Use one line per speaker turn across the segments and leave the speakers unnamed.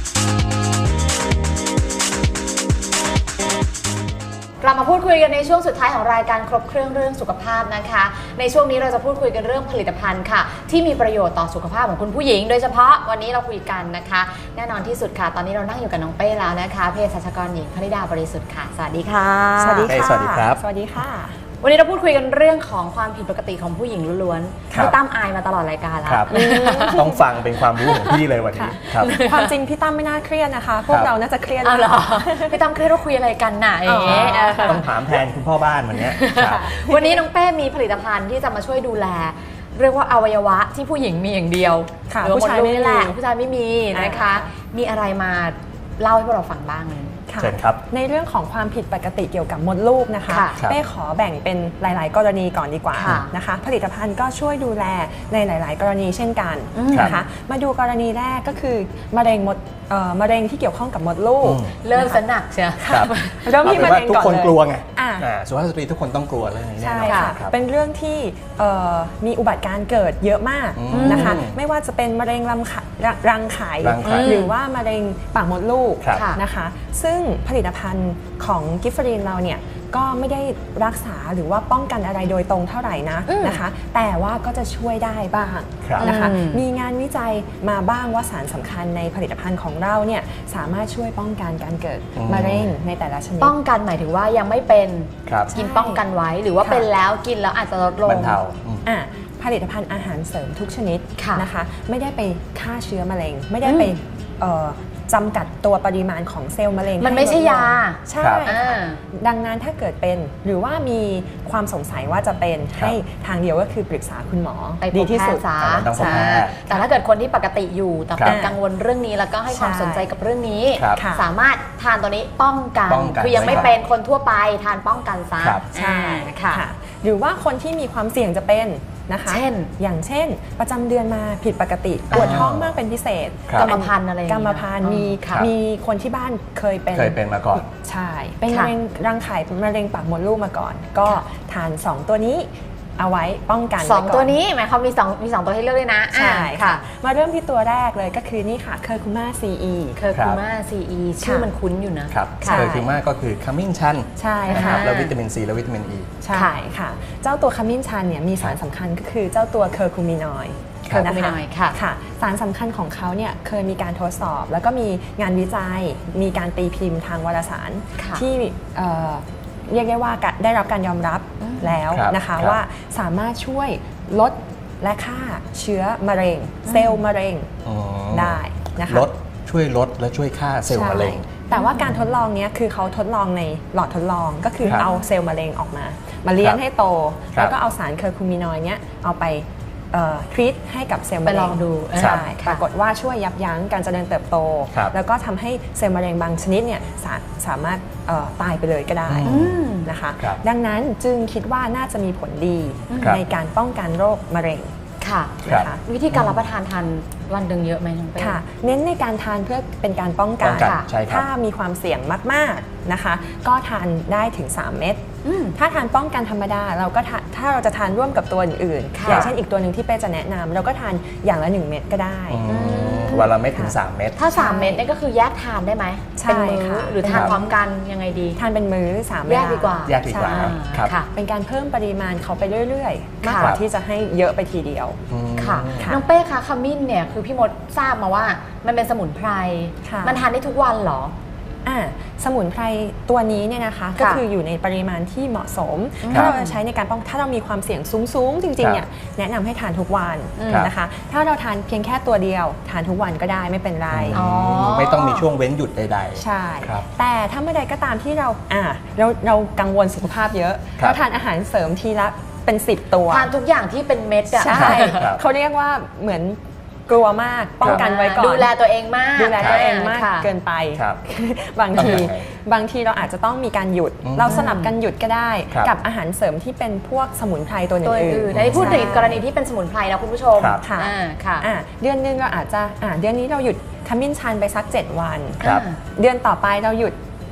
เรามาพูดคุยกันในช่วงสุดท้ายของรายการครบเครื่องเรื่องสุขภาพนะคะในช่วงนี้เราจะพูดคุยกันเรื่องผลิตภัณฑ์ค่ะที่มีประโยชน์ต่อสุขภาพของคุณผู้หญิงโดยเฉพาะวันนี้เราคุยกันนะคะแน่นอนที่สุดค่ะตอนนี้เรานั่งอยู่กับน้องเป้แล้วนะคะเภสัชกรหญิงพนิดาบริสุทธิ์ค่ะสวัสดีค่ะ
สวัสดีค่ะ
สวัสดีครับ
สวัสดีค่ะ
วันนี้เราพูดคุยกันเรื่องของความผิดปกติของผู้หญิงล้วนๆพี่ตั้มอายมาตลอดรายการแล้ว
ต้องฟังเป็นความรู้ของพี่เลยวันนี้ครับ
ความจริงพี่ตั้มไม่น่าเครียดนะคะพวกเราน่าจะเครียด
เหรอพี่ตั้มเครียดว่าคุยอะไรกันน่ะ
ต้องถามแทนคุณพ่อบ้านวันนี้
วันนี้น้องเป้มีผลิตภัณฑ์ที่จะมาช่วยดูแลเรียกว่าอวัยวะที่ผู้หญิงมีอย่างเดียว
ผู้ชายไม่แหละ
ผู้ชายไม่มีนะคะมีอะไรมาเล่าให้พวกเราฟังบ้าง
เชิญครับ
ในเรื่องของความผิดปกติเกี่ยวกับมดลูกนะคะเป้ขอแบ่งเป็นหลายๆกรณีก่อนดีกว่านะคะผลิตภัณฑ์ก็ช่วยดูแลในหลายๆกรณีเช่นกันนะคะมาดูกรณีแรกก็คือมะเร็งที่เกี่ยวข้องกับมดลูก
เริ่มสนักใช่
เริ่มที่มะเร็งก่อนเลย
ทุกคนกลัวไงสุภาพสตรีทุกคนต้องกลัวเรื่องนี้แน่นอน
ใช่ค่ะเป็นเรื่องที่มีอุบัติการณ์เกิดเยอะมากนะคะไม่ว่าจะเป็นมะเร็งรังไข่หรือว่ามะเร็งปากมดลูกนะคะซึ่งผลิตภัณฑ์ของกิฟเฟอรีนเราเนี่ยก็ไม่ได้รักษาหรือว่าป้องกันอะไรโดยตรงเท่าไหร่นะคะแต่ว่าก็จะช่วยได้บ้างนะคะมีงานวิจัยมาบ้างว่าสารสำคัญในผลิตภัณฑ์ของเราเนี่ยสามารถช่วยป้องกันการเกิดมะเร็งในแต่ละชนิด
ป้องกันหมายถึงว่ายังไม่เป็นกินป้องกันไว้หรือว่าเป็นแล้วกินแล้วอาจจะลดลง
บรรเทา
ผลิตภัณฑ์อาหารเสริมทุกชนิดนะคะไม่ได้ไปฆ่าเชื้อมะเร็งไม่ได้ไปจำกัดตัวปริมาณของเซลล์มะเร็ง
มันไม่ใช่ยา
ใช่ดังนั้นถ้าเกิดเป็นหรือว่ามีความสงสัยว่าจะเป็นให้ทางเดียวก็คือปรึกษาคุณหมอดีที่สุด
แต่ถ้าเกิดคนที่ปกติอยู่แต่เป็นกังวลเรื่องนี้แล้วก็ให้ความสนใจกับเรื่องนี้สามารถทานตัวนี้ป้องกันคือยังไม่เป็นคนทั่วไปทานป้องกันซะ
ใช่ค่ะหรือว่าคนที่มีความเสี่ยงจะเป็นนะคะอย่างเช่นประจำเดือนมาผิดปกติปวดท้องมากเป็นพิเศษ
กรรมพันธุ์อะไร
กรรมพันธุ์มีคนที่บ้านเคยเป็น
มาก่อน
ใช่เป็นมะเร็งรังไข่มะเร็งปากมดลูกมาก่อนก็ทาน2ตัวนี้เอาไว้ป้องกัน
2ตัวนี้หมายความมี2ตัวให้เลือกเลยนะ
ใช่ค่ะมาเริ่มที่ตัวแรกเลยก็คือนี่ค่ะเคอร์คูม่าซีอี
ชื่อมันคุ้นอยู่นะครับ
เคอร์คูม่าก็คือขมิ้นชัน
ใช่ค่ะ
แล้ววิตามินซีและวิตามินอี
ใช่ค่ะเจ้าตัวขมิ้นชันเนี่ยมีสารสำคัญก็คือเจ้าตัวเคอร์คูมินอยด์ค่ะสารสำคัญของเขาเนี่ยเคยมีการทดสอบแล้วก็มีงานวิจัยมีการตีพิมพ์ทางวารสารที่เรียกได้ว่าได้รับการยอมรับแล้วนะคะว่าสามารถช่วยลดและฆ่าเชื้อมะเร็งเซลล์มะเร็งได้นะคะ
ช่วยลดและช่วยฆ่าเซลล์มะเร็ง
แต่ว่าการทดลองนี้คือเขาทดลองในหลอดทดลองก็คือเอาเซลล์มะเร็งออกมาเลี้ยงให้โตแล้วก็เอาสารเคอร์คูมินอยด์เนี้ยเอาไปทรีตให้กับเซลล์มะเร็ง
ไปลองดู
ใช่ปรากฏว่าช่วยยับยั้งการเจริญเติบโตแล้วก็ทำให้เซลล์มะเร็งบางชนิดเนี่ยสามารถตายไปเลยก็ได้นะคะดังนั้นจึงคิดว่าน่าจะมีผลดีในการป้องกันโรคมะเร็ง
ค่ะวิธีการรับประทานวันหนึ่งเยอะไหมน้องเป้
ค่ะเน้นในการทานเพื่อเป็นการป้องกันถ้ามีความเสี่ยงมากๆนะคะก็ทานได้ถึง3 เม็ดถ้าทานป้องกันธรรมดาเราก็ถ้าเราจะทานร่วมกับตัวอื่นๆอย่างเช่นอีกตัวหนึ่งที่เป้จะแนะนำเราก็ทานอย่างละ1 เม็ดก็ได้
วันละเม็ดถึง3 เม็ด
ถ้า3 เม็ดนี่ก็คือแยกทานได้ไหมเป็นมื้อหรือทานพร้อมกันยังไงดี
ทานเป็นมื้อ3 เม็ด
แยกดีกว่า
ครับ
เป็นการเพิ่มปริมาณเขาไปเรื่อยๆมากกว่าที่จะให้เยอะไปทีเดียว
ค่ะน้องเป้คะขมิ้นเนี่ยคือพี่มดทราบมาว่ามันเป็นสมุนไพรมันทานได้ทุกวันเหรอ
สมุนไพรตัวนี้เนี่ยนะคะก็คืออยู่ในปริมาณที่เหมาะสมถ้าเราจะใช้ในการป้องถ้าเรามีความเสี่ยงสูงจริงๆเนี่ยแนะนำให้ทานทุกวันนะคะถ้าเราทานเพียงแค่ตัวเดียวทานทุกวันก็ได้ไม่เป็นไร
ไม่ต้องมีช่วงเว้นหยุดใด
ๆใช่แต่ถ้าเมื่อใดก็ตามที่เรากังวลสุขภาพเยอะเราทานอาหารเสริมทีละเป็น10 ตัว
ทานทุกอย่างที่เป็นเม็ด
ใช่เขาเรียกว่าเหมือนกลัวมากป้องกันไว้ก่อน
ดูแลตัวเองมาก
เกินไปบางทีเราอาจจะต้องมีการหยุดเราสลับกันหยุดก็ได้กับอาหารเสริมที่เป็นพวกสมุนไพรตัวอื่น
ๆในพูดถึงกรณีที่เป็นสมุนไพรนะคุณผู้ชม
ค่ะเดือนนึงเราอาจจะเดือนนี้เราหยุดขมิ้นชันไปสัก7 วันเดือนต่อไปเราหยุด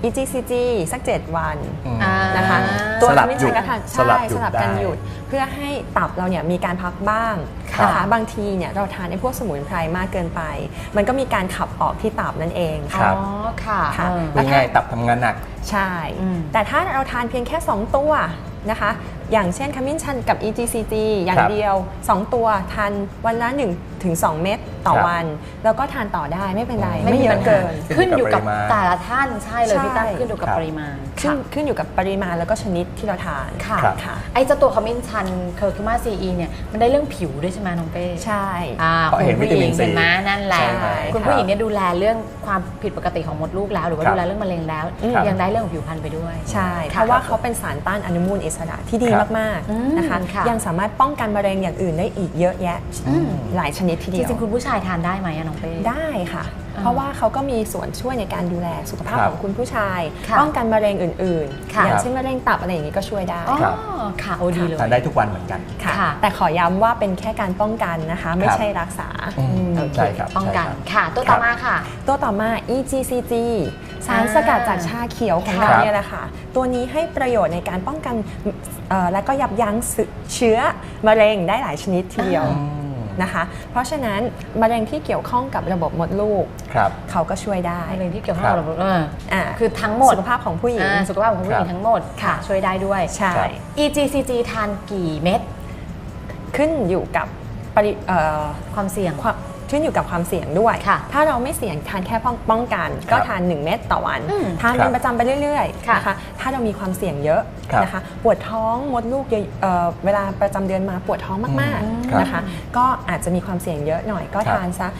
EGCG สัก 7 วัน
อ่า
นะคะตัว
สลับ
ขมิ้น
หยุ
ชั
ด
นก็ทาน
สลับ
ใช่
หยุด
สลับกัน
ได้
หยุดเพื่อให้ตับเราเนี่ยมีการพักบ้างนะคะบางทีเนี่ยเราทานไอ้พวกสมุนไพรมากเกินไป มันก็มีการขับออกที่ตับนั่นเอง
ครั
อ๋
บ
อค่ะ
ค่ะ
พูดง่ายๆตับทำงานหนัก
ใช่
อืม
แต่ถ้าเราทานเพียงแค่ 2 ตัวนะคะอย่างเช่นขมิ้นชันกับ EGCG อย่าง
ครับ
เดียว 2 ตัวทานวันละ1 ถึง 2 เม็ดต่อ
ครับ
วัน แล้วก็ทานต่อได้ไม่เป็นไร
ไม่
ไม่
มี
เย
ปั
อะ
ญหา
เกิน
ขึ้นอยู่กับ
ปริมาณ
แต่ละท่านใช่เลย
ใช่
พี่ตั้มขึ้นอยู่กับ
ครับ
ปริมาณ
ขึ้นอยู่กับปริมาณแล้วก็ชนิดที่เราทาน
ค่ะ
ครับ
ค่ะ
ไอ้เจ้าตัวขมิ้นชันเคอร์คิมาซีอีเนี่ยมันได้เรื่องผิวด้วยใช่ไหมน้องเป้
ใช่
เพราะเห็นวิตามิน
คุณผู้หญิง
ซี
เห็นไหมนั่นแหละ
ใช่ไหม
คุณผู้หญิงเนี่ยดูแลเรื่องความผิดปกติของมดลูกแล้ว หรือว่า
ครับ
ดูแลเรื่องมะเร็งแล้ว
ครับ
ยังได้เรื่องของผิวพรรณไปด้วย
ใช่
ค่ะ
เพราะว่าเขาเป็นสารต้านอนุมูลอิสระที่ดี
ครับ
มาก
อืม
ๆนะคะ
ค่ะ
ยังสามารถป้องกันมะเร็งอย่างอื่นได้อีกเยอะแยะหลายชนิดที
จ
เดียว
ริงๆคุณผู้ชายทานได้ไหมอะน้องเป้
ได้ค่ะ
อ่า
เพราะว่าเขาก็มีส่วนช่วยในการดูแลสุขภาพ
ครับ
ของคุณผู้ชาย
ค่ะ
ป้องกันมะเร็งอื่นๆ
ค่ะ
อย่างเช่นมะเร็งตับอะไรอย่างนี้ก็ช่วยได้
อ๋อ
ครับ
ค่ะโอ้ดีเลย
ทานได้ทุกวันเหมือนกัน
ค่ะ
ค่ะ
แต่ขอย้ำว่าเป็นแค่การป้องกันนะคะ ไม่ใช่รักษา
โอเคใช่ครับ
ป้องกัน
ใช่ครับ
ค่ะ ตัวต่อมาค่ะ
ตัวต่อมา EGCG สารสกัดจากชาเขียวของ
ครั
เรา
บ
เนี่ยแหละค่ะ ตัวนี้ให้ประโยชน์ในการป้องกันและก็ยับยั้งเชื้อมะเร็งได้หลายชนิดทีเดียว
อืม
นะคะ เพราะฉะนั้นมะเร็งที่เกี่ยวข้องกับระบบมดลูก
ครับ
เขาก็ช่วยได้
มะเร็งที่เกี่ยวข้องกับระบบ
อ่า
คือทั้งหมด
สุขภาพของผู้หญิง
สุขภาพของผู้หญิงทั้งหมดค่ะ ช่วยได้ด้วย
ใช่
ครับ
EGCG ทานกี่เม็ด
ขึ้นอยู่กับ
ความเสี่ยง
ขึ้นอยู่กับความเสี่ยงด้วย
ค่ะ
ถ้าเราไม่เสี่ยงทานแค่ป้องกัน ก็ทาน 1 เม็ดต่อวัน
อืม
ทาน
ครั
เป็
บ
นประจำไปเรื่อยๆ
ค่ะ
นะคะถ้าเรามีความเสี่ยงเยอะ
ครับ
นะคะปวดท้องมดลูกเยอะเวลาประจำเดือนมาปวดท้องมาก
ครับ
ๆนะคะก็อาจจะมีความเสี่ยงเยอะหน่อยก็
ครับ
ทานซะ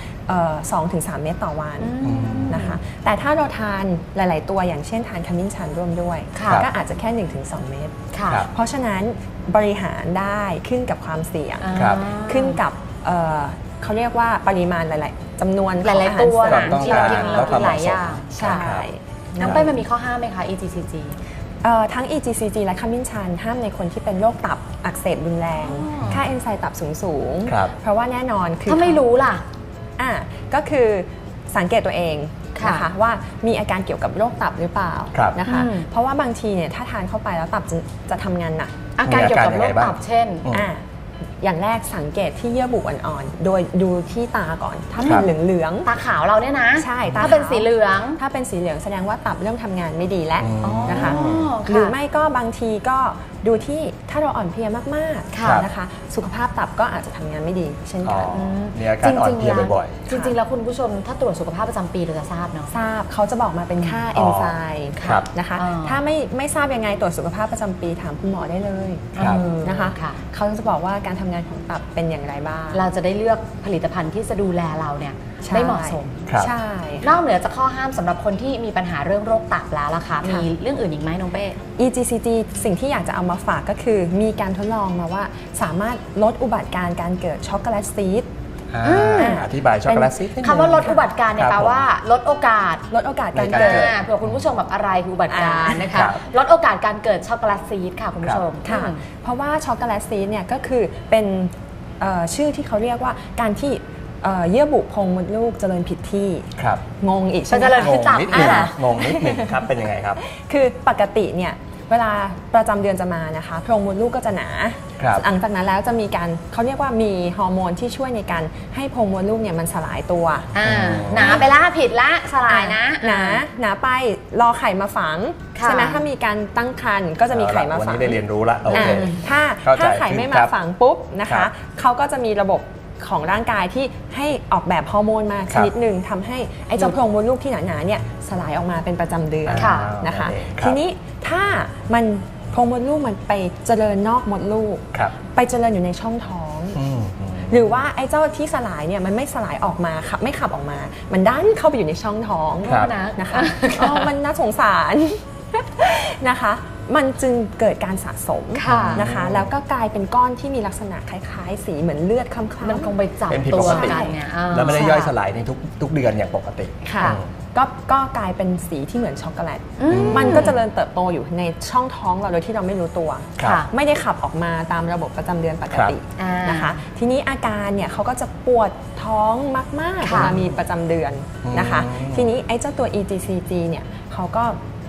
2-3 เม็ดต่อวัน
อืม
นะคะแต่ถ้าเราทานหลาย ๆ ตัวอย่างเช่นทานขมิ้นชันร่วมด้วย
ค่ะ
ก็อาจจะแค่ 1-2 เม็ด
ค่ะ
ครับ
เพราะฉะนั้นบริหารได้ขึ้นกับความเสี่ยง
ครับ
ขึ้นกับเขาเรียกว่าปริมาณหลาย ๆจำนวน
หลาย
ของ
ๆตัว
อาหาร
นะ
เสริม
ที่เรากิน
แล้
เรา
วค
กิ
วาม
นหลาย
เหมาะสม
อย่าง
ใช่
น้องเป้มันมีข้อห้ามไหมคะ EGCG
ทั้ง EGCG และขมิ้นชันห้ามในคนที่เป็นโรคตับอักเสบรุนแรง
อ๋อ
ค่าเอนไซม์ตับสูง
ครับ
เพราะว่าแน่นอนคือ
ถ้าไม่รู้ล่ะ
ก็คือสังเกตตัวเอง
ค่ะ
นะคะว่ามีอาการเกี่ยวกับโรคตับหรือเปล่า
ครับ
นะคะ
อืม
เพราะว่าบางทีเนี่ยถ้าทานเข้าไปแล้วตับจะทำงานหนัก
อาการเกี่ยวกับโรค
มีอาการยังไงบ้าง
ตับเช่น
อย่างแรกสังเกตที่เยื่อบุอ่อนๆ โดยดูที่ตาก่อน ถ้า
ค
เป็
รั
น
บ
เหลือง
ตาขาวเราเนี่ยนะ
ใช่ตา
ถ้าเป็น
ขาว
สีเหลือง
ๆ ถ้าเป็นสีเหลืองแสดงว่าตับเริ่มทำงานไม่ดีแล้ว
อ๋อ
นะคะ
ค่ะ
หรือไม่ก็บางทีก็ดูที่ถ้าเราอ่อนเพลียมาก
ค่ะ
ๆนะคะ สุขภาพตับก็อาจจะทำงานไม่ดีเช่น
อ๋อ
กัน
มีอาการอ่อนเพลียบ่อย
จริงๆแล้วคุณผู้ชมถ้าตรวจสุขภาพประจำปีเราจะทราบเนาะ
ทราบเขาจะบอกมาเป็นค่า
อ๋
เอ
อน
ไซม์
ครับ
นะคะ
อ่า
ถ้าไม่ทราบยังไงตรวจสุขภาพประจำปีถามคุณหมอได้เลย
ครับ
นะคะ
ค่ะ
เขาจะบอกว่าการทำงานของตับเป็นอย่างไรบ้าง
เราจะได้เลือกผลิตภัณฑ์ที่จะดูแลเราเนี่ย
ใช่
ได้เหมาะสม
ครับ
ใช่
นอกเหนือจากข้อห้ามสำหรับคนที่มีปัญหาเรื่องโรคตับแล้วล่ะคะมีเรื่องอื่นอีกไหมน้องเป้
EGCG สิ่งที่อยากจะเอามาฝากก็คือมีการทดลองมาว่าสามารถลดอุบัติการเกิดช็อกโกแลตซีด
อธิบายช็อกโกแลตซิดนิดนึง
คำว่าลดอุบัติการเนี่ย
ค
แป
รั
ล
บผม
ว่าลดโอกาส
ลดโอกาสการ
ในการ
เกิด
เกิด
เผื่อคุณผู้ชมแบบอะไรคืออุบัติการนะคะ
ครับ
ลดโอกาสการเกิดช็อกโกแลตซีดค่ะคุณผู้ชม
ค่ะ เพราะว่าช็อกโกแลตซีดเนี่ยก็คือเป็นชื่อที่เขาเรียกว่าการที่เยื่อบุโพรงมดลูกเจริญผิดที่
ครับ
งงอีกใช่ไหม
เจริญ
ง
คือง ตับ
นิดหนึง
อ่ะ
งงนิดหนึงครับเป็นยังไงครับ
คือปกติเนี่ยเวลาประจำเดือนจะมานะคะโพรงมดลูกก็จะหนา
ครับ
หลังจากนั้นแล้วจะมีการเขาเรียกว่ามีฮอร์โมนที่ช่วยในการให้โพรงมดลูกเนี่ยมันสลายตัว
หนาไปละผิดละสลายนะ
หนาไปรอไข่มาฝัง
ค่ะ
ใช่ไหมถ้ามีการตั้งครรภ์ก็จะมีไข่มา
วัน
ฝัง
นี้ได้เรียนรู้ละโอเค
ถ้า
เข้าใจ
ไข่ไม่
ขึ้น
มา
ครับ
ฝังปุ๊บนะ
ครั
คะ
บ
เขาก็จะมีระบบของร่างกายที่ให้ออกแบบฮอร์โมนมา
ค
ช
รับ
นิดหนึ่งทำให้ไอ้เจ้าโพรงมดลูกที่หนาๆเนี่ยสลายออกมาเป็นประจำเดือน
ค่ะ
นะคะ
โอเคครับ
ทีนี้ถ้ามันโพรงมดลูกมันไปเจริญนอกมดลูก
ครับ
ไปเจริญอยู่ในช่องท้อง
อืม
หรือว่าไอ้เจ้าที่สลายเนี่ยมันไม่สลายออกมาขับไม่ขับออกมา มันดันเข้าไปอยู่ในช่องท้อง
ครับ
นะคะมันน่าสงสาร นะคะ มันจึงเกิดการสะสม
ค่ะ
นะคะ แล้วก็กลายเป็นก้อนที่มีลักษณะคล้ายๆ สีเหมือนเลือดคล้ำๆ
มันคงไปจับ
เป็นผิด
ตั
ป
ว
กติ
กันเนี่ยอ่า
แล้วไม่ได้ย่อยสลายในทุกเดือนอย่างปกติ
ค่ะ
อืม
ก็กลายเป็นสีที่เหมือนช็อกโกแลต
อืม
มันก็เจริญเติบโตอยู่ในช่องท้องเราโดยที่เราไม่รู้ตัว
ครับ
ค่ะ
ไม่ได้ขับออกมาตามระบบประจำเดือนปกติ
ครับ
นะคะ ทีนี้อาการเนี่ยเขาก็จะปวดท้องมากๆเว
ค่ะ
ลามีประจำเดือนนะคะ
อืม
ทีนี้ไอ้เจ้าตัว EGCG เนี่ยเขาก็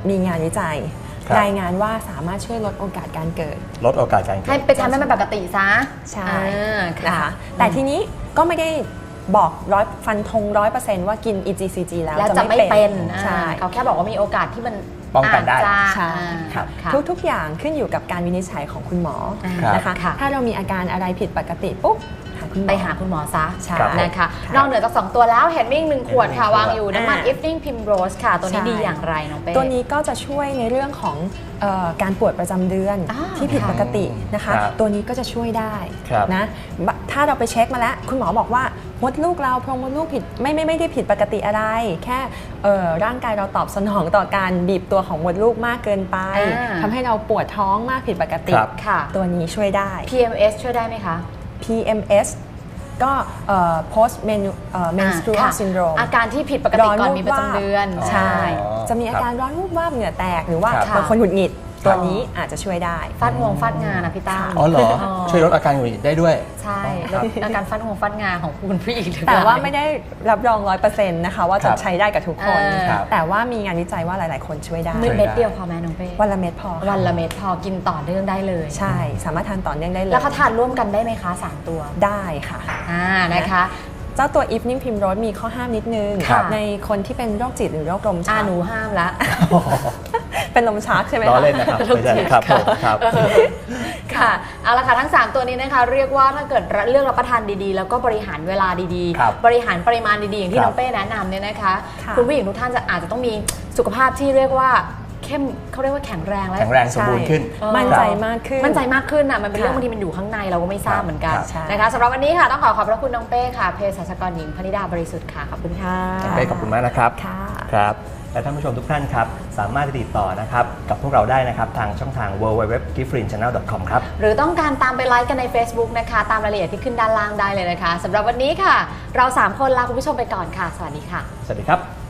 มีงานวิจัย
ครับ
รายงานว่าสามารถช่วยลดโอกาสการเกิด
ลดโอกาสการเกิ
ให้
ด
ไปทำให้มันปกติซะ
ใช่
ค่ะ
นะคะแต่ทีนี้ก็ไม่ได้บอกฟันธง100%ว่ากิน EGCG แล้ว
แล้วจะไม่เป็น
ใช่
เขาแค่บอกว่ามีโอกาสที่มัน
ป้องกันได้
อาจจะ
ใช่
ค่ะค่ะ
ทุกๆอย่างขึ้นอยู่กับการวินิจฉัยของคุณหมอ
ครับ
นะคะ
ค่ะ
ถ้าเรามีอาการอะไรผิดปกติปุ๊บหาคุณหมอ
ไปหาคุณหมอซะ
ใช่
นะคะ
ค่ะ
นอกเหนือจาก 2 ตัวแล้วเห็นมิ่ง1 ขวดค่ะ
1
วางอยู่น้ำมัน Evening Primrose ค่ะ ตัวนี้
ใช่
ดีอย่างไรน้องเป้
ตัวนี้ก็จะช่วยในเรื่องของการปวดประจำเดือน
อ่า
ที่ผิดปกตินะคะ
ครับ
ตัวนี้ก็จะช่วยได้
ครับ
นะถ้าเราไปเช็คมาแล้วคุณหมอบอกว่ามดลูกเราโพรงมดลูกผิดไม่ได้ผิดปกติอะไร แค่ร่างกายเราตอบสนองต่อการบีบตัวของมดลูกมากเกินไป
อ่า
ทำให้เราปวดท้องมากผิดปกติ
ครับ
ค่ะ
ตัวนี้ช่วยได้
PMS ช่วยได้ไหมคะ
PMS ก็post menstrual
ค่ะ
syndrome
อาการที่ผิดปกติก่อนมีประจำเดือน
ใช่
อ๋อ
จะมีอาการร้อนวูบวาบเหงื่อแตกหรือว่า
ครับ
บางคนหงุดหงิดตัวนี้อาจจะช่วยได้
ฟาดงวงฟาดงานะพี่ตั้ม
อ๋อเหรอ
อ๋อ
ช่วยลดอาการหงุดหงิดได้ด้วย
ใช่
ครับ
แล้วอาการฟาดงวงฟาดงาของคุณผู้หญิงหรือเป
แต่
ล่า
ว่าไม่ได้รับรอง 100% นะคะว่า
ครั
จะ
บ
ใช้ได้กับทุกคน
ครับ
แต่ว่ามีงานวิจัยว่าหลาย ๆ คนช่วยได้
เม็ดเดียวพอไหมน้องเป้
วันละเม็ดพอค่ะ
วันละเม็ดพอกินต่อเนื่องได้เลย
ใช่สามารถทานต่อเนื่องได้เลย
แล้วเขาทานร่วมกันได้ไหมคะ 3 ตัว
ได้ค่ะ
นะคะ
เจ้าตัว Evening Primrose มีข้อห้ามนิดนึง
ครับ
ในคนที่เป็นโรคจิตหรือโรคลมชัก
หนูห้ามละ
เป็นลมชักใช่ไหม
ล้อ
คะ
เล่นนะครับไม่ใช่ครับผมครับ
ค่ะเอาละค่ะทั้ง 3 ตัวนี้นะคะเรียกว่าถ้าเกิดเลือกรับประทานดีๆ แล้วก็บริหารเวลาดี
ครับ
บริหารปริมาณดีๆ อย่างที่
ครับ
น้องเป้แนะนำเนี่ยนะคะ
ค่ะ
คุณผู้หญิงทุกท่านอาจจะต้องมีสุขภาพที่เรียกว่าเข้มเขาเรียกว่าแข็งแรงและ
แข็งแรงสมบูรณ์ขึ้น
มั่นใจมากขึ้น
มั่นใจมากขึ้นอ่ะมันเป็นเรื่อง
ค่ะ
บางทีมันอยู่ข้างในเราก็ไม่ทราบเหมือนกัน
ครับ
ใช่
นะคะสำหรับวันนี้ค่ะต้องขอบพระคุณน้องเป้ค่ะเภสัชกรหญิงพนิดาบริสุทธิ์ค่ะขอบคุณค่ะ
เป้ขอบคุณมากนะครับ
ค่ะ
ครับ และท่านผู้ชมทุกท่านครับ สามารถติดต่อนะครับกับพวกเราได้นะครับทางช่องทาง www.giftfrinchannel.com ครับ
หรือต้องการตามไปไลค์กันใน Facebook นะคะตามรายละเอียดที่ขึ้นด้านล่างได้เลยนะคะสำหรับวันนี้ค่ะ เรา 3 คนลาคุณผู้ชมไปก่อนค่ะ สวัสดีค่ะ
สวัสดีครับ